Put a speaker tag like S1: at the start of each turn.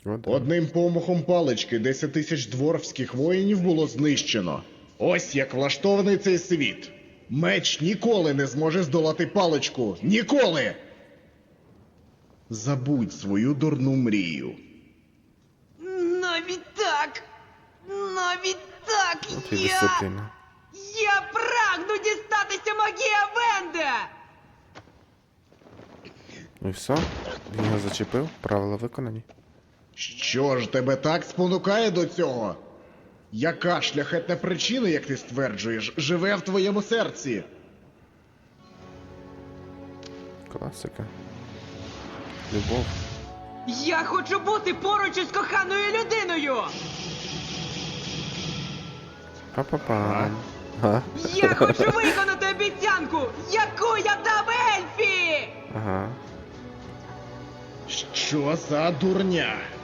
S1: Одним помахом палички 10 тисяч дворфських воїнів було знищено. Ось як влаштований цей світ. Меч ніколи не зможе здолати паличку. Ніколи! Забудь свою дурну мрію.
S2: Навіть так! Навіть так!
S3: От і дисципліна.
S2: Я прагну дістатися магії Авенда!
S3: Ну і все? Він його зачепив, правила виконані.
S1: Що ж тебе так спонукає до цього? Яка шляхетна причина, як ти стверджуєш, живе в твоєму серці?
S3: Класика. Любов.
S2: Я хочу бути поруч із коханою людиною!
S3: Па-па-пам. Ага.
S2: Я хочу виконати обіцянку, яку я дав Ельфі!
S3: Ага.
S1: Що за дурня?